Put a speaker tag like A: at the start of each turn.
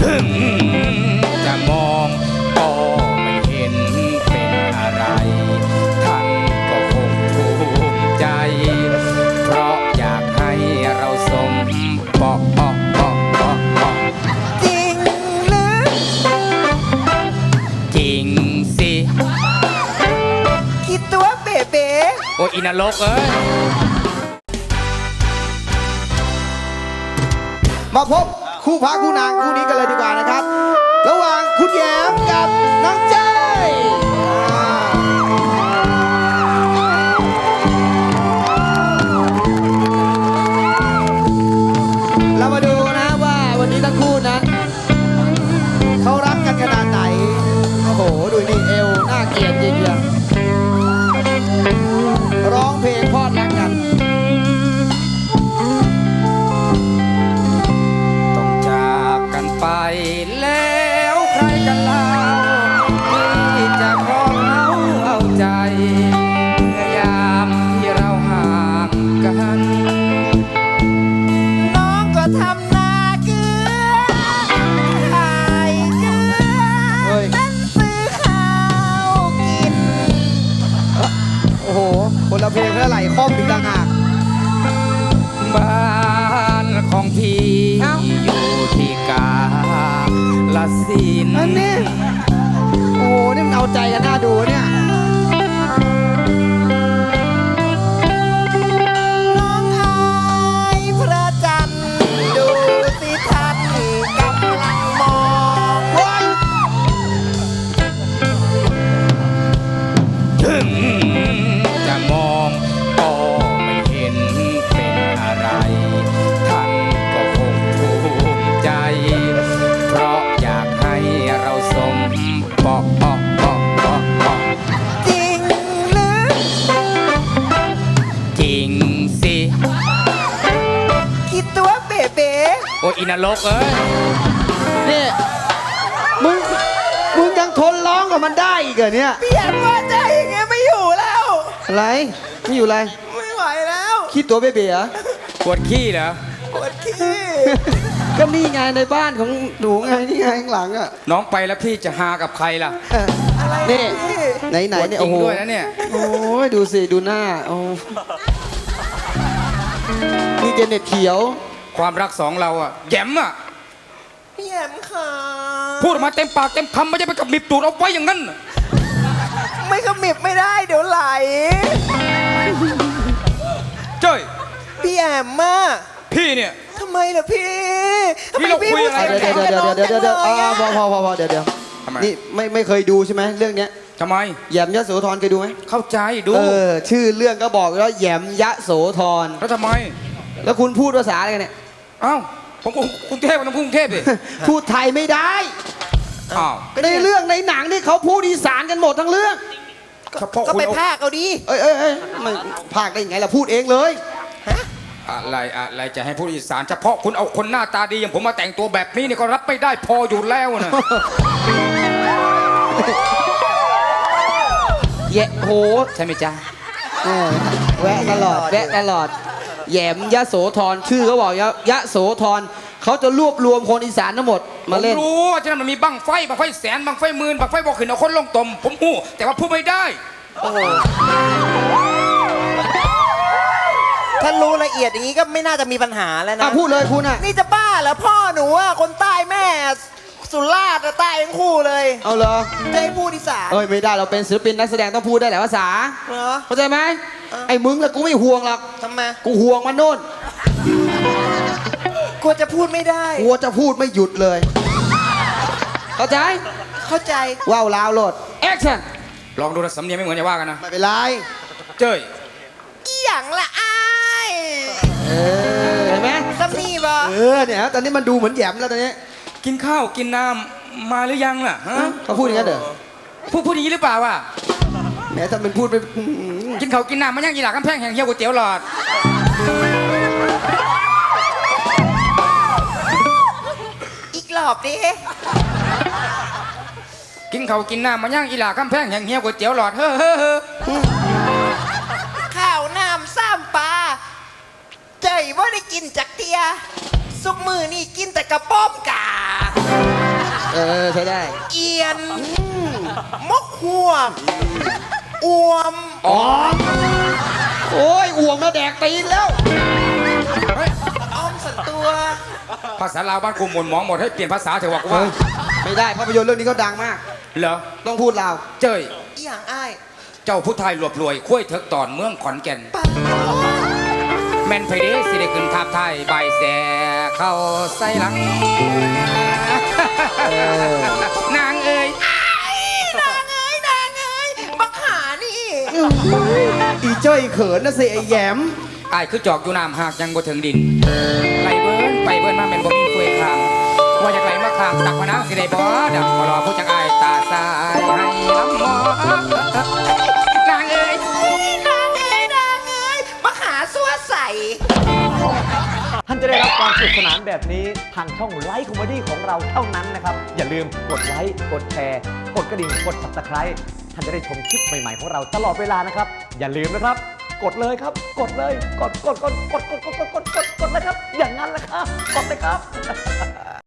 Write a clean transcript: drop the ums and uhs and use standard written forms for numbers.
A: ถึงจะมองก็ไม่เห็นเป็นอะไรท่านก็คงภูมิใจเพราะอยากให้เราสมปอก
B: จริงหรือ
A: จริงสิ
B: คิดตัวเบ๋
A: โอ้ยอินรกเอ้ย
C: มาพบคู่พระคู่นางคู่นี้กันเลยดีกว่านะครับระหว่างคุณแย้มกับน้องเจ้ยเรามาดูนะว่าวันนี้ทั้งคู่นั้นเขารักกันขนาดไหนโอ้โหดูนี่เอวน่าเกลียดจริงๆร้องเพลงพอดรักกัน
A: ไปแล้วใครกันเล่าที่จะครองเอาใจเมื่อยามที่เราห่างกัน
B: น้องก็ทำนาเกลือขายเกลือนั้นซื้อข้าวกิน
C: โอ้โหคนละเพลงแล้วไหลคล่อมอีกต่างหาก
A: บ้านของพี่อยู่ที่กาลสิน
C: อันนี้โอ้โหนี่มันเอาใจกันน่าดูเนี่ย
B: น้องอายพระจันทร์ดูสิท่านกำลังมอง
A: ถึงจะมองก็ไม่เห็นเป็นอะไรท่านก็คงภูมิใจเพราะอยากให้เราสมปอก
B: จริงหรือ
A: จริงสิ
B: คิดตัวเบ๋
A: โอ้ยอินรกเอ้ย
C: นี่มึงยังทนร้องกับมันได้อีกเหรอเนี่ย
B: เปลี่ยนว่าใจอย่างเงี้ยไม่อยู่แล้ว
C: อะไรไม่อยู่อะไร
B: ไม่ไหวแล้ว
C: คิดตัวเบ๋เหรอ
A: ปวดขี้เหรอ
B: ปวดขี้
C: ก็นี่ไงในบ้านของหนูไงนี่ไงข้างหลังอ่ะ
A: น้องไปแล้วพี่จะหากับใครล่ะ
C: นี่ไหนเนี่ยโอ้โห
A: ด้วยนะเนี่ย
C: โอ้ยดูสิดูหน้าโอ้นี่เจเน็ตเขียว
A: ความรักสองเราอ่ะแย้มอ่ะ
B: พี่แย้มค่ะ
A: พูดออกมาเต็มปากเต็มคำไม่ใช่ไปกับมิบตูดเอาไว้อย่างนั้น
B: ไม่ขมิบไม่ได้เดี๋ยวไหล
A: เจ้ย
B: พี่แย้มมา
A: พี่เนี่ย
B: ทำไมล่ะพี่
A: เราคุยอะไร
C: เดี๋ยวเพอเดี๋ยวนี่ไม่เคยดูใช่ไหมเรื่องเนี้ย
A: ทำไม
C: แหยมยโสธรเคยดูไหม
A: เข้าใจดู
C: ชื่อเรื่องก็บอกแล้วแหยมยโสธร
A: แล้วทำไม
C: แล้วคุณพูดภาษาอะไรกันเนี่ย
A: อ้าวผมกรุงเทพมันกรุงเทพดิ
C: พูดไทยไม่ได้
A: อ้าว
C: ในเรื่องในหนังนี่เขาพูดอีสานกันหมดทั้งเรื่อง
B: ก็ไปพากเอาดิ
C: มันพากได้ยังไงล่ะพูดเองเลย
A: อะไรจะให้พูดอีสานเฉพาะคุณเอาคนหน้าตาดีอย่างผมมาแต่งตัวแบบนี้นี่ก็รับไม่ได้พออยู่แล้วนะ
C: แย่โห
A: ใช่ไหมจ๊ะ
C: แวะตลอดแหยมยโสธรชื่อเขาบอกยโสธรเขาจะรวบรวมคนอีสานทั้งหมดมาเล่น
A: ผมรู้ฉะนั้นมันมีบังไฟแสนบังไฟหมื่นบังไฟบอกขึ้นเอาคนลงตมผมหูแต่ว่าพูดไม่ได้
B: ถ้ารู้ละเอียดอย่างนี้ก็ไม่น่าจะมีปัญหาแล้วนะ
C: พูดเลยคุณอ่ะ
B: นี่จะบ้าเหรอพ่อหนูอ่ะคนใต้แม่สุราษฎร์ใต้ทั้งคู่เลย
C: เอาเหรอ
B: ได้พูดอีสาน
C: ไม่ได้เราเป็นศิลปินนักแสดงต้องพูดได้หลายภาษาเข้าใจไหมไอ้มึงอะกูไม่ห่วงหรอก
B: ทำไม
C: กูห่วงมันโน่น
B: กลัวจะพูดไม่ได้
C: กลัวจะพูดไม่หยุดเลยเข้าใจว้าวลาวโหลดแอคชั่น
A: ลองดูนะสำเนียงไม่เหมือนอย่าว่ากันนะ
C: ไม่เป็นไร
A: เจ้ย
B: อีหยังละอ้าย
C: เห็นไหม
B: สำนีบ่
C: เนี่ยตอนนี้มันดูเหมือนแหยมแล้วตอนนี้
A: กินข้าวกินน้ำมาหรือยังล่ะ
C: เขาพูดอย่างนั้นเหรอ
A: พูดอย่างนี้หรือเปล่าวะ
C: แหมถ้าเป็นพูดไป
A: กินข้าวกินน้ำมันยังอีหลักกำแพงแห่งเฮี้ยวก๋วยเตี๋ยวหลอด
B: อีกรอบดิ
A: กินข้าวกินน้ำมันยังอีหลักกำแพงแห่งเฮี้ยวก๋วยเตี๋ยวหลอด
B: ข้าวน้ำซ้ำปลาใจว่าได้กินจักเตียสุกมือนี่กินแต่กระป้อมกา
C: ใช้ได้
B: เอียนมกหัวกอวม
C: อ๋อโอ้ยอ่วงมาแดกตีนแล้ว
B: อ้อมสันตัว
A: ภาษาลาวบ้านกูหมุนหมองหมดให้เปลี่ยนภาษาเถอะว่ากูว่า
C: เฮ้ยไม่ได้ภาพยนตร์เรื่องนี้เขาดังมาก
A: เหรอ
C: ต้องพูดลาว
A: เจ้ย
B: อีหยังอ้าย
A: เจ้าผู้ไทยรวบรวยคุ้ยเถิกตอนเมืองขอนแก่น แม่นไผเด้สิได้ขึ้นภาพไทยใบายแสเข้าใส่หลัง นางเอ้ย
B: นางเอ้ยบักหานี่
C: อีเจ้ยเขินนะสิไอ้แหยม
A: อายคือจอกอยู่น้ำหากยังบ่ถึงดินไหลเบิ้นไปเบิ้นมาแม่นบ่มีเฟยคางว่าอยากไหลมาคางตักมานางสิได้บ่ดังขอรอผู้จักอายตาสายให้ลำมอนางเอ้ย
B: นางเอ้ยบักหาซัวใส
D: ท่านจะได้รับความสนุกสนานแบบนี้ทางช่องไลฟ์คอมเมดี้ของเราเท่านั้นนะครับ อย่าลืมกดไลค์กดแชร์กดกระดิ่งกด Subscribe ท่านจะได้ชมคลิปใหม่ๆของเราตลอดเวลานะครับ อย่าลืมนะครับ กดเลยครับ กดเลยกดเลยครับ อย่างนั้นแหละครับ กดเลยครับ